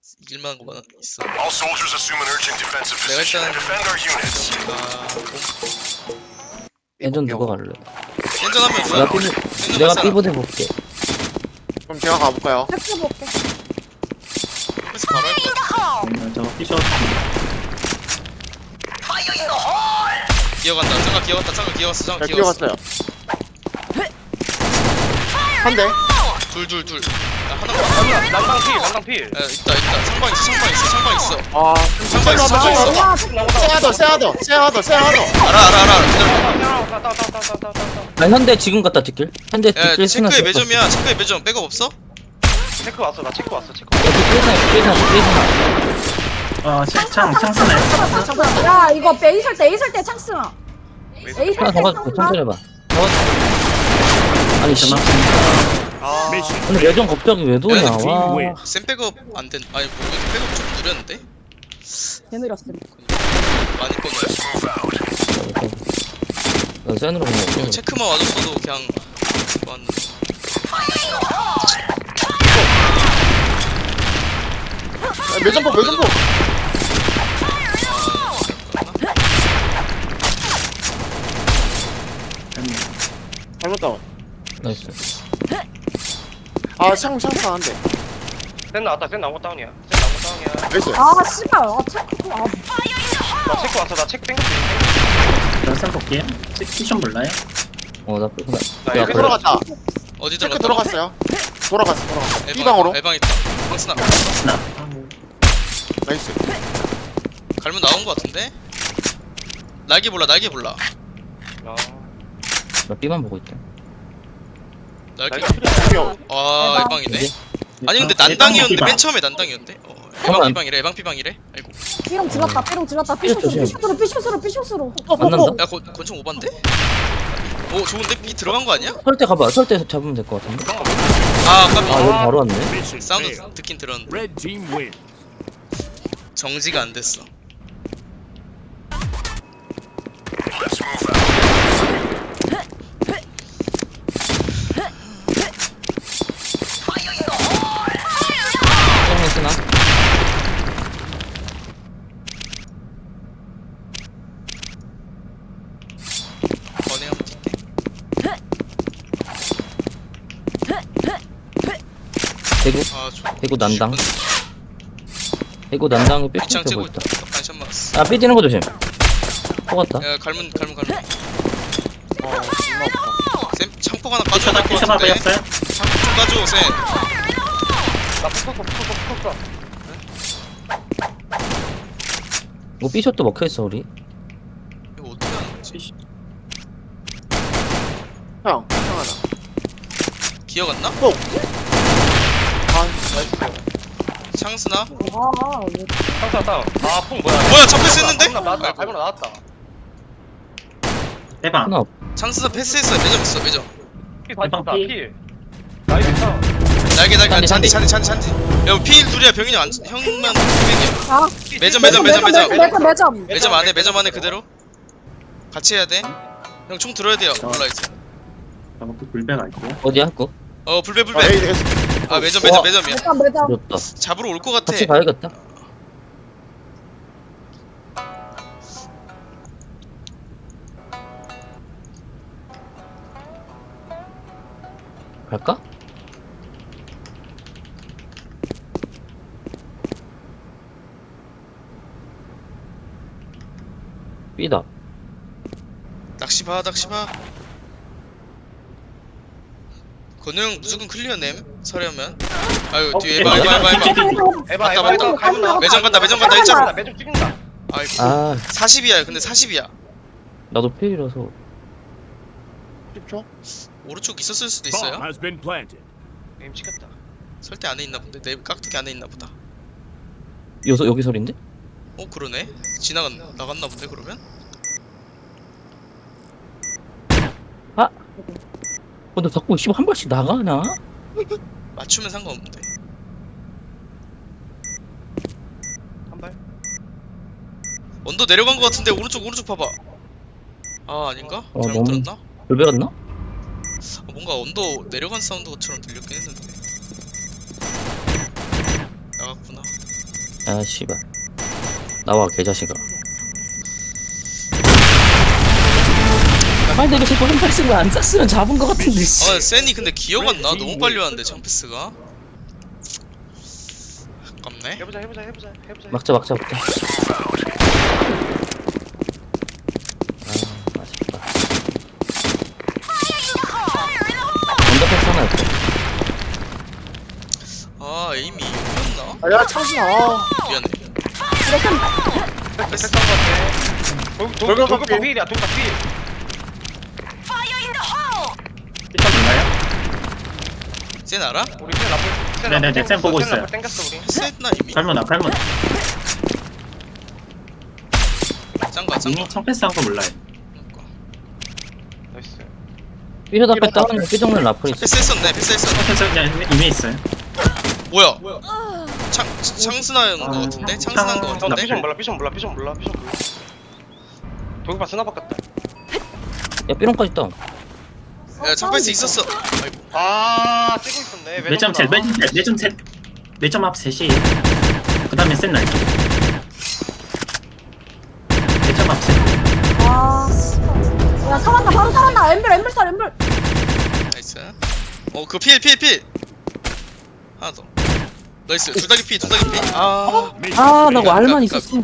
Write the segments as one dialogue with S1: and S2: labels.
S1: 이길만한 거만 있어.
S2: All soldiers assume an urgent defensive
S1: 내가
S2: position
S1: 일단
S2: and defend our units.
S3: 엔전 누가 갈래?
S1: 센전하면
S3: 내가
S1: 뭐야?
S3: 삐부
S1: 센전
S3: 내가
S1: 삐
S3: 삐부대 볼게.
S4: 그럼 제가 가볼까요?
S5: 팩트 볼게.
S1: 그래서 바로 할 거야.
S6: 저거 피셔.
S1: 기어간다. 잠깐 기어갔다. 잠깐 기어갔어. 잠깐
S4: 네,
S1: 기어갔어.
S4: 뛰어갔어요. 한 대.
S1: 둘. 야, 하나만.
S7: 난당 필.
S1: 야, 있다. 창방 있어. 창방 있어.
S4: 아,
S1: 창방 있어. 창방 있어.
S5: 와, 팩트.
S4: 세하더.
S1: 알아.
S3: 아 현대 지금 갖다 뒷길. 현대
S1: 야,
S3: 뒷길 스나.
S1: 체크에 매점이야. 체크에 매점. 백업 없어?
S7: 체크 왔어. 나 체크 왔어. 체크.
S3: 뒷길 스나.
S6: 창 쓰네.
S5: 야, 이거 A 설 때, A 설 때 창스나. A 설
S3: 하나
S5: 때
S3: 더 가지고 천천히 해봐. 아니 씨.
S7: 아.
S3: 근데 매점 갑자기 왜 도냐?
S1: 야,
S3: 와.
S1: 쌤 백업 안 된. 아니 뭐 이거 백업 좀 느렸는데?
S5: 개느렸어.
S1: 많이 꺼내.
S3: 나 센으로 그냥.
S1: 이거 체크만 와줬어도 그냥 좋았는데.
S4: 매점포. 잘못 다운.
S3: 나이스.
S4: 아, 창사 한 대.
S7: 센 나왔다. 센 나온 거 다운이야. 센 나온 거 다운이야.
S4: 나이스.
S5: 아, 씨발. 아, 체크. 아,
S7: 나 체크 왔어. 나 체크 땡겼어.
S6: 저쌤 볼게요. 피션 몰라요?
S3: 어나
S7: 나
S3: 야,
S7: 여기
S3: 그래.
S4: 들어갔다.
S1: 어디
S4: 체크
S1: 들어갔다?
S4: 들어갔어요. 돌아갔어. B방으로.
S1: 에방 있다. 방스나.
S6: 나.
S4: 나이스.
S1: 갈문 나온 거 같은데? 날개 몰라.
S7: 아.
S3: 나 B만 보고 있다.
S1: 날개.
S4: 뼈.
S1: 아
S5: 에방.
S1: 에방이네. 아니 근데 난당이었는데 맨 처음에 난당이었는데. 에방 피방이래. 아이고.
S5: 삐롱 질렀다. 삐숏으로.
S3: 만난다.
S1: 야 권총 오반데? 오 좋은데 B 들어간 거 아니야?
S3: 설대 가봐. 설대 잡으면 될 것 같은데.
S1: 아 깜짝이야.
S3: 아 여기 바로 왔네.
S8: Mission
S1: 사운드
S8: failed.
S1: 듣긴 들었는데
S8: Red team win.
S1: 정지가 안 됐어.
S2: Let's move out.
S3: 형 스나.
S1: 번에 한번 뛸게.
S3: 대구 난당.
S1: 야
S3: 대구 난당이 삐
S1: 밑창
S3: 고
S1: 째고
S3: 있다.
S1: 있다. 반샷 맞았어.
S3: 아 삐 뛰는 거 조심. 뽑았다.
S1: 야 갈문.
S4: 존나 없어.
S1: 쌤 창폭 하나
S6: 피셔
S1: 까줘야 될 것
S6: 피셔
S1: 같은데.
S6: 받았어요?
S1: 창폭 좀 까줘 쌤.
S7: 나 붙었어.
S3: 이거 삐숏도 먹혀 있어 우리.
S1: 이거 어떻게 하는 거지?
S4: 형, 하나.
S1: 기어갔나?
S4: 아, 나이스.
S1: 창스나?
S5: 아, 왜.
S7: 상사 다운. 아, 풍 뭐야?
S1: 뭐야, 저 패스했는데?
S7: 나왔다.
S1: 아이고.
S7: 갈문 나왔다.
S6: 대박.
S3: 하나 없.
S1: 창스나 패스했어. 매점 있어 매점.
S7: 필 받았다.
S6: 필.
S7: 필. 나이스 다운.
S1: 날개
S3: 잔디.
S1: 잔디. 야 피일 둘이야 병인이 안 형만 병인이야.
S5: 아,
S1: 매점. 매점 안에 그대로. 같이 해야 돼. 형 총 들어야 돼요. 몰라 이제.
S6: 저거 불배 갈게요.
S3: 어디야 그?
S1: 불배.
S4: 에이,
S1: 아 매점이야.
S5: 매점.
S3: 그렇다.
S1: 잡으러 올 것 같아.
S3: 같이 가야겠다. 갈까? B다.
S1: 낚시 봐. 건우 형 무조건 클리어냄. 서려면. 아유 뒤에
S6: 에바.
S1: 에바.
S7: 에바
S1: 맞다.
S7: 갈문 나왔다.
S1: 매점 간다 일자로.
S7: 매점 찍는다.
S1: 아이고.
S3: 아
S1: 40이야. 근데 40이야.
S3: 나도 필이라서.
S4: 10초?
S1: 오른쪽 있었을 수도
S8: Bomb
S1: 있어요.
S8: has been planted.
S7: 게임 찍혔다.
S1: 설대 안에 있나 본데. 내 깍두기 안에 있나 보다.
S3: 여기 소린데?
S1: 그러네. 나갔나 본데 그러면?
S3: 근데 자꾸 씨발 한 발씩 나가나?
S1: 맞추면 상관없는데.
S7: 한 발.
S1: 언더 내려간 것 같은데 오른쪽 봐봐. 아 아닌가? 잘못
S3: 너무-
S1: 들었나?
S3: 돌배 갔나?
S1: 뭔가 언더 내려간 사운드처럼 들렸긴 했는데. 나갔구나.
S3: 아 씨발 나와 개자식아. 아니 내가 자꾸 한 발씩을 안 쐈으면 잡은 거 같은데 씨.
S1: 아 센이 근데 기억 안 나. 너무 빨리 왔는데 창패스가. 아깝네.
S7: 해보자.
S3: 막자 막자 막자. 아 아쉽다. 언더 패스 하나 있고.
S1: 아 에임이 여기였나?
S4: 아야 창순아.
S1: 미안해.
S7: 패스한 거 같아. 돌격파 필이야. 돌격파 필.
S6: 피션 몰라요?
S1: 센 알아?
S7: 우리 쌤 라플.
S6: 네네네, 쌤 보고 있어요.
S7: 땡겼어 우리.
S1: 패스했나 이미?
S6: 갈문아 갈문.
S1: 짱가
S6: 이미 청패스 한 거 몰라요.
S7: 나이스.
S3: 삐져다 뺐다 하면 삐정면 라플 있어.
S1: 패스했었네. 패스했었네.
S6: 청패스 그냥 이미 있어요.
S1: 뭐야? 창스나인 거 같은데? 창스나인 거
S7: 나
S1: 같은데?
S7: 피션 몰라. 돌격파 스나 바꿨다.
S3: 야 삐롱까지 다운.
S1: 야 창패스 있었어. 아이고.
S7: 아 찍고 있었네.
S6: 매점 셋, 매점 셋, 매점 앞 셋이. 그 다음에 센 날. 매점 앞 셋.
S5: 아 씨발. 야 살았다 바로 살았다. 엠블 살 엠블.
S1: 나이스. 그 필. 하나 더. 나이스. 둘다기 피.
S3: 아나 왈만 있었어.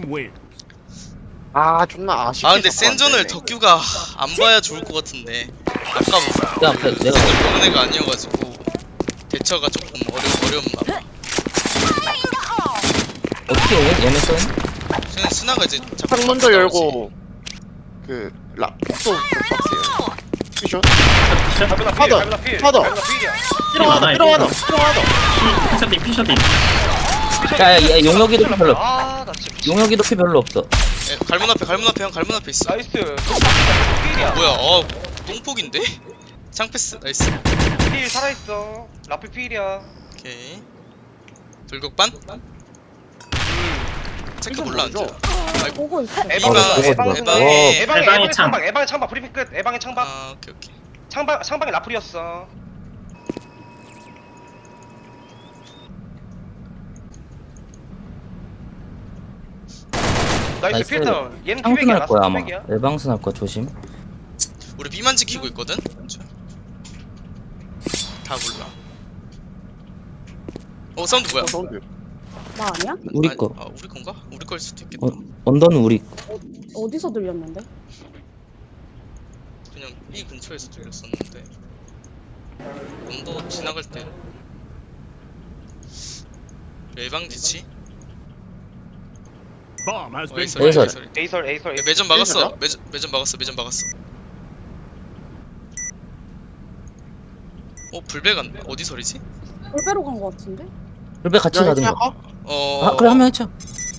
S4: 아 존나 아쉽게.
S1: 아 근데
S4: 잡고
S1: 센전을
S4: 왔네.
S1: 덕규가 안 봐야 좋을 것 같은데. 아까
S3: 야 내가
S1: 센전 보는 애가 아니어가지고 대처가 조금 어려웠나 봐.
S3: 어떻게 해? 얘네 써?
S1: 쟤는 스나가 이제 자꾸
S4: 창문도
S1: 나오지.
S4: 열고 그락또 박스예요. 피션.
S6: 피션.
S7: 갈문아 필.
S4: 하더,
S7: 갈문아 필.
S4: 하더.
S7: 갈문아 필이야.
S6: 많아요,
S4: 삐롱하다.
S6: 피셔딩, 피셔딩.
S3: 야 용혁이도 피 별로 없어.
S7: 아나 진짜 미친.
S3: 용혁이도 피 별로 없어.
S1: 예, 갈문 앞에 형 갈문 앞에 있어.
S7: 나이스. 필이야.
S1: 뭐야? 똥폭인데? 창패스 나이스.
S7: 필 살아있어. 라플 필이야.
S1: 오케이. 돌격반? 체크 몰라 안 줘. 아이고.
S5: 보고 있어.
S7: 에방의
S6: 에방의 창.
S7: 창방. 에방의 창방 브리핑 끝. 에방의 창방.
S1: 아 오케이.
S7: 창방이 라플이었어. 나이스
S3: 나이스.
S7: 필턴. 얘는
S3: 창순
S7: 피백이야.
S3: 할 거야 아마.
S7: 피백이야.
S3: 외방순 할 거야 조심.
S1: 우리 B만 지키고 있거든. 다 몰라. 사운드 뭐야?
S4: 사운드.
S5: 나 아니야?
S3: 우리
S1: 아니,
S3: 거.
S1: 우리 건가? 우리 거일 수도 있겠다.
S3: 언더는 우리.
S5: 어디서 들렸는데?
S1: 그냥 B 근처에서 들렸었는데. 언더 지나갈 때 외방 지치?
S3: 에이설.
S7: 에이설.
S1: 야, 매점 막았어. 매점 막았어. 불배 간다. 어디 설이지?
S5: 돌배로 간 거 같은데?
S3: 불배 같이 가든가. 아 그래 한 명 해쳐.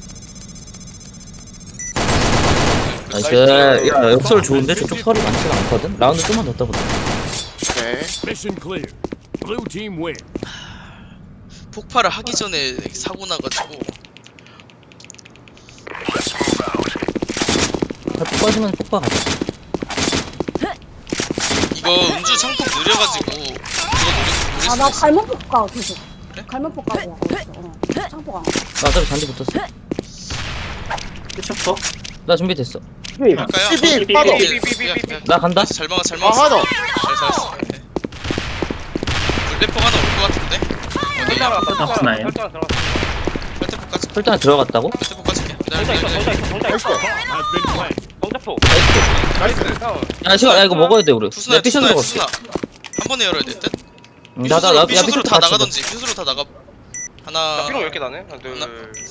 S3: 나이스. 야 역설 좋은데 저쪽 설이 많지가 않거든. 라운드 좀만 더 떠보자.
S4: 오케이.
S8: Mission clear. Blue team win.
S1: 폭발을 하기 전에 사고 나가지고
S3: 발폭 빠지면 폭파 가자.
S1: 이거 운주 창폭 느려가지고 이거
S5: 아 나
S1: 노릴 수 있어.
S5: 갈문폭 가 계속.
S1: 그래?
S5: 갈문폭 가고 어딨어? 창폭 안 가.
S3: 나 어차피 잔디 붙었어.
S6: 피셔퍼.
S3: 나 준비됐어.
S1: 갈까요?
S4: 삐삐, 빠져.
S7: 삐삐삐삐삐.
S3: 나 간다.
S1: 잘 막았어.
S4: 하나.
S1: 잘했어. 불대폭 하나 올 것 같은데?
S6: 없나요?
S1: 설대폭까지
S3: 설탕에 들어갔다고?
S1: 설대폭까지 게
S7: 동자 있어.
S1: 기다려.
S7: 동자 있어.
S8: Has been planted.
S7: 동자포.
S3: 나이스. 야 시간 야 이거 먹어야 돼 우리.
S1: 투스나
S3: 내 피션
S1: 투스나
S3: 들어갈게.
S1: 투스나 한 번에 열어야 될 듯?
S3: 나야
S1: 삐슛으로
S3: 피션
S1: 다 나가던지 삐슛으로 다 나가.
S7: 나
S1: 하나
S7: 피로 10개 나네. 하나 둘.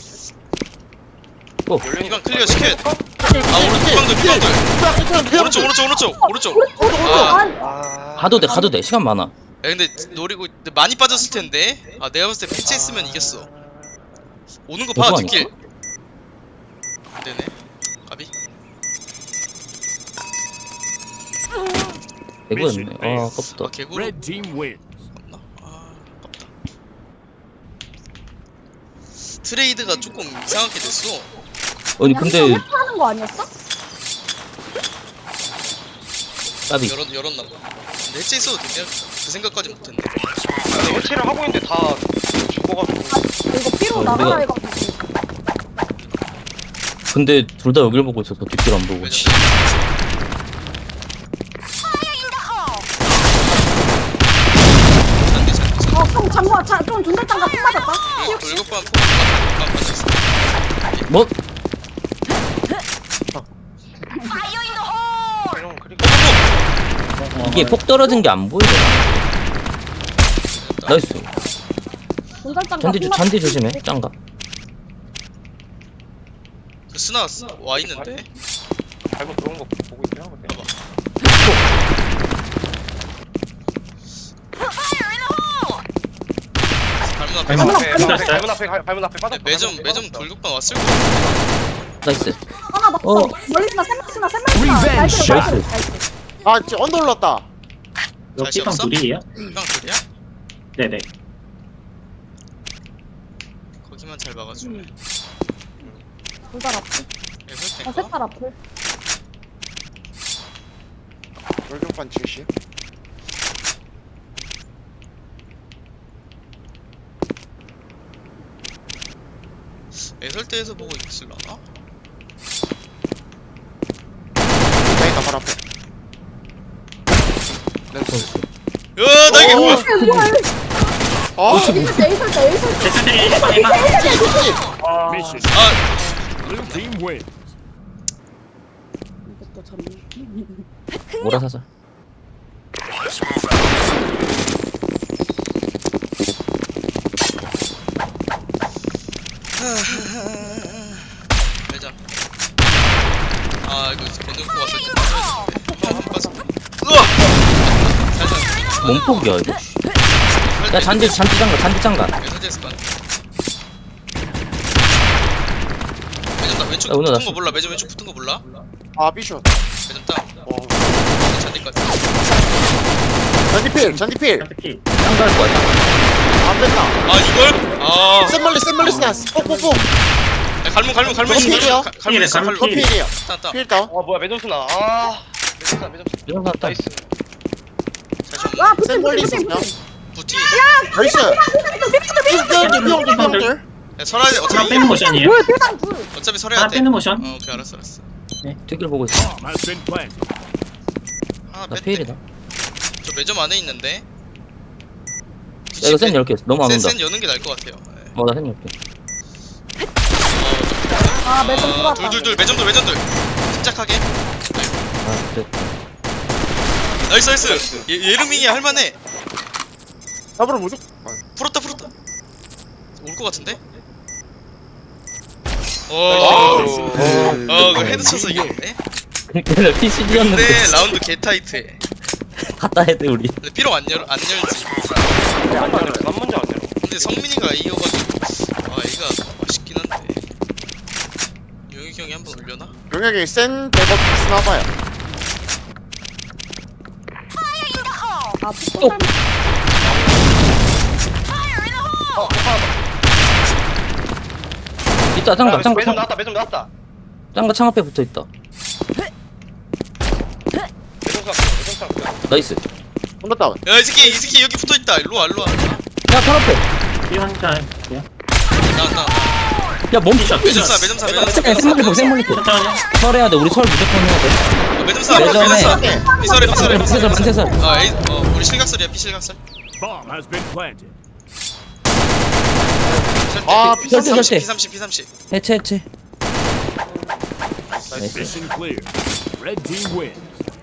S3: 또.
S1: 이방 클리어 시켜. 아 오른쪽 오른쪽. 아
S7: 아.
S3: 가도 돼 시간 많아.
S1: 야, 근데 노리고 근데 많이 빠졌을 텐데. 아 내가 봤을 때 패치했으면 이겼어. 오는 거 봐
S3: 오버
S1: 뒷길. 안 되네. 까비.
S3: 대구였네. 아 아깝다.
S1: 아 개구로
S8: Red team win.
S1: 맞나? 아 아깝다. 트레이드가 조금 이상하게 됐어.
S3: 아니 근데
S5: 하는 거 아니었어?
S3: 까비.
S1: 열었나 봐. 근데 해체 있어도 되냐? 그 생각까지 못했네.
S7: 근데 해체를 하고 있는데 다 죽어가지고.
S5: 이거 삐로
S3: 우리가-
S5: 나가라 해가지고.
S3: 근데 둘 다 여길 보고 있어서 뒷길 안 보고. 씨.
S1: 잔디 잔디
S5: 형 장과 좀 중달장가 품 맞았다. 혹시
S1: 돌격반 폭 맞았어.
S3: 뭐?
S7: 이런 그리고
S3: 이게 폭 떨어진 게 안 보이네. 나이스.
S5: 중달장가
S3: 잔디 조심해. 짱가.
S1: 그 스나 와 있는데.
S7: 잘못 들어온 거 보고 있긴 하거든.
S1: 발문 앞에.
S6: 발문 앞에.
S7: 발문 앞에 빠졌어.
S1: 매점 돌격반 왔을 거야.
S3: 나이스.
S5: 하나 더.
S3: 어.
S5: 멀리 쓰나 샌마리 쓰나.
S3: 나이스.
S4: 아 진짜 언더 올랐다.
S6: 여기
S1: 자신
S6: 삐방
S1: 없어?
S6: 둘이에요?
S1: 형 둘이야?
S6: 네네.
S1: 거기만 잘 막아줘.
S5: 둘다 앞을.
S1: 애설
S5: 색깔 앞을.
S4: 월급반 70.
S1: 애설대에서 보고 있을라나?
S4: 나 있다 바로 앞에.
S3: 나이스.
S1: 야, 나 이게 뭐야?
S5: 뭐야?
S4: 아
S5: 에이설 때.
S6: 됐을 때 해봐.
S8: Mission.
S1: 아,
S8: Blue team wins.
S5: 이것도 참.
S3: 몰아사자.
S2: Let's move out.
S1: 매점. 아, 이거 건너고 왔을 때 빠져야 되는데. 형한 빠져. 으아! 살살.
S3: 몸폭이야 이거. 씨. 야 잔디 짱가.
S1: 애설대에서 봐. 매점 나 왼쪽
S3: 야, 오늘
S1: 붙은
S3: 났어.
S1: 거 몰라? 매점 왼쪽 붙은 거 몰라?
S4: 아 비쇼.
S1: 매점 땅.
S4: 와.
S1: 잔디까지.
S4: 잔디필 잔디필.
S6: 특히
S3: 짱가 할 거야. 짱가.
S4: 안 됐다.
S1: 아, 이걸? 아.
S4: 샌멀리 스나스. 뽀뽀뽀.
S1: 야, 갈문.
S4: 저거 필이야?
S1: 갈문 있어,
S6: 갈문
S1: 갈문.
S6: 필.
S4: 필이야.
S1: 땅.
S4: 필 다운.
S7: 뭐야 매점수나. 아 매점수.
S3: 이런 거 같다.
S7: 나이스.
S1: 잘 좀.
S5: 와 붙임
S4: 샌멀리
S5: 붙임
S4: 있었냐?
S5: 붙임.
S1: 부티.
S4: 나이스. 삐용들.
S1: 야, 설아야 돼.
S6: 하나
S1: 어차피
S6: 빼는 모션이에요?
S5: 둘 삐당 둘.
S1: 어차피 설아야
S6: 하나
S1: 돼.
S6: 빼는 모션?
S1: 어, 오케이, 알았어.
S3: 뒷길 보고 있어.
S8: Bomb has been planted.
S1: 하나
S3: 나
S1: 뺐대.
S3: 피일이다. 야
S1: 저 매점 안에 있는데.
S3: 이거 센 10개. 너무 안 온다.
S1: 센 여는 게 나을 것 같아요. 네.
S3: 나센 10개.
S5: 아 매점 들어왔다.
S1: 둘 매점들 침착하게.
S3: 아 됐다.
S1: 나이스 예르밍이 할만해.
S4: 잡으러 무조건.
S1: 풀었다 올 것 같은데? 그 헤드 쳐서 이겼네.
S3: 근데 PCB였는데
S1: 근데 라운드 개 타이트해.
S3: 갔다 해야 돼 우리.
S1: 근데 삐롱 안 열지.
S7: 한 먼저 안 내려.
S1: 근데 성민이가 이겨가지고 A가 맛있긴 한데. 용익 형이 한번 올려나?
S4: 용혁이 센 백업 스나봐요.
S5: 아 폭탄.
S3: 있다 짱가
S7: 매점 나왔다.
S3: 짱가 창 앞에 붙어 있다.
S7: 매점수.
S3: 나이스.
S4: 언더 다운.
S1: 야, 이 새끼 여기 붙어 있다. 일로 와.
S3: 야 바로 앞에.
S6: 삐 혼자
S1: 나.
S3: 야 멈춰.
S1: 매점 사.
S3: 센멀리 보고 센멀리 보.
S6: 천천히.
S3: 설해야 돼. 우리 설 무조건 해야 돼.
S1: 매점 사.
S3: 매점에.
S1: 피설해.
S3: 만세설.
S1: A 우리 실각설이야. 피실각설.
S8: Bomb has been planted.
S4: 아,
S3: 절대.
S1: P30.
S3: 해체.
S8: Mission clear. Red team wins.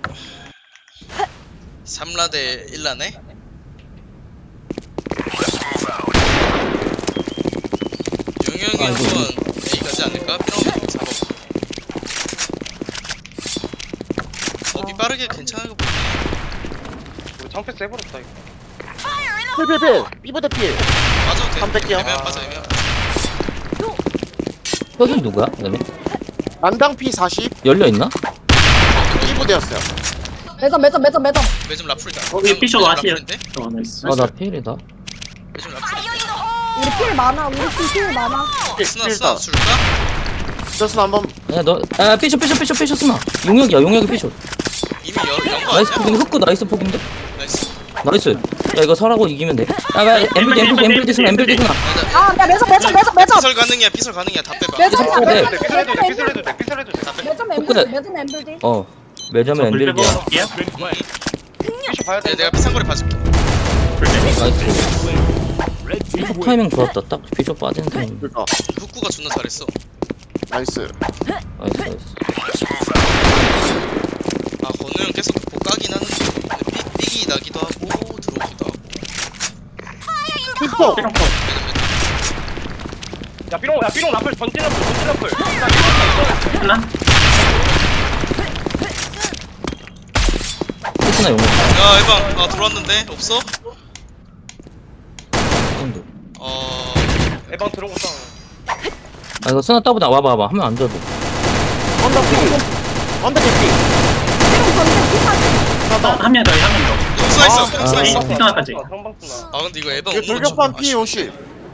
S1: 3라대 1라네. 용영이 한번 A 가지 않을까? 삐렁 잡아. B 빠르게 괜찮은 거 보네.
S7: 우리 창패스 해버렸다 이거.
S4: 필. 삐부대 필.
S1: 빠져도 돼.
S4: 300개요.
S1: 애매한 빠져.
S3: 여긴 누구야? 그다음에
S4: 난당 P40.
S3: 열려 있나?
S4: 삐부대였어요.
S5: 매점.
S1: 매점 라풀이다.
S6: 거기 삐쇼
S1: 매점
S6: 와시야.
S1: 라풀인데?
S6: 나이스.
S3: 아 나 피일이다.
S1: 매점 라풀인데?
S5: 우리 필 많아. 우리 필 많아.
S1: 스나 줄까?
S4: 저스 한번.
S3: 야너 삐쇼 스나. 용혁이 삐쇼.
S1: 이미 연거
S3: 나이스
S1: 아니야?
S3: 폭인데 흑구 나이스 폭인데.
S1: 나이스.
S3: 나이스. 야 이거 설하고 이기면 돼. 야 엠빌드 쓰나.
S5: 아, 야, 매점.
S1: 피설 가능이야 피설 가능이야 다 빼봐
S5: 매점이야,
S3: 네.
S5: 매점.
S7: 피설 해도 돼 피설 해도 돼 피설 해도 돼
S1: 다 빼봐
S5: 매점
S3: 끝.
S5: 엠블디.
S3: 어 매점에
S6: 불 빼고
S3: 엠빌드야.
S6: 갈게요.
S8: Has been planted.
S7: 피셔 봐야 돼
S1: 내가 피상거리 봐줄게
S3: 나이스.
S8: Clear. Red team
S3: 훅
S8: wins.
S3: 타이밍 좋았다. 딱 비숍 빠지는 타이밍.
S4: 그니까
S1: 훅구가 존나 잘했어
S4: 나이스.
S3: 나이스.
S2: Let's move out.
S1: 아 건우 형 계속 복가긴 하는데 삑삑이 나기도 하고 들어오기도 하고
S4: 픽포.
S6: 삐롱포.
S7: 야 삐롱 라플 전진 라플
S6: 하나?
S3: 피스나 용어.
S1: 야 에방 아 들어왔는데 없어?
S7: 에방 들어오고 싸
S3: 아 이거 스나 따보자. 와봐. 하면 안 줘도.
S4: 언더 피. 언더 개피.
S6: 한 명 더, 한 명 더.
S1: 스나 있어
S3: 아.
S1: 스나 있어
S6: 하나까지.
S7: 상방 쓰나
S1: 아 근데 이거 에방
S4: 이거
S1: 없는 건
S4: 돌격반
S1: 좀
S4: 피
S1: 아쉬워.
S4: 50.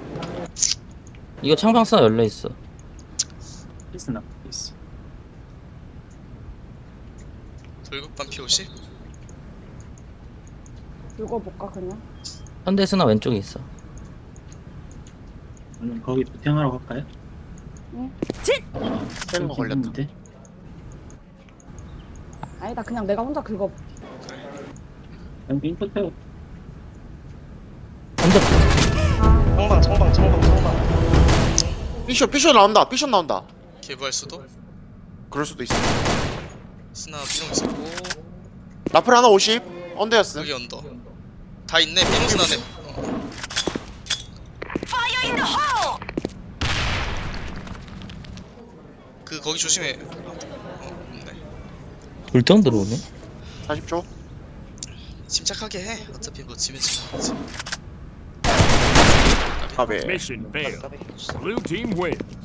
S3: 이거 창방 스나 열려 있어.
S6: 피스나. 피스.
S1: 돌격반 P50?
S5: 읽어볼까, 그냥?
S3: 현대 스나 왼쪽에 있어.
S6: 거기 부팅하러 갈까요?
S4: 센거 걸렸다.
S6: 있는데?
S5: 아니다, 그냥 내가 혼자 긁어.
S6: 여기 인풋 태워.
S3: 현대
S7: 청방
S4: 삐쇼 나온다. 삐쇼 나온다.
S1: 개부할 수도?
S4: 그럴 수도 있어.
S1: 스나 삐롱 있었고
S4: 라플 하나 50. 언더였어.
S1: 여기 언더 다 있네 삐롱 스나네 그 거기 조심해 없네
S3: 불턴 들어오네.
S4: 40초.
S1: 침착하게 해 어차피 뭐 지면 지는 거지
S4: 가베.
S8: Mission failed. Blue team wins.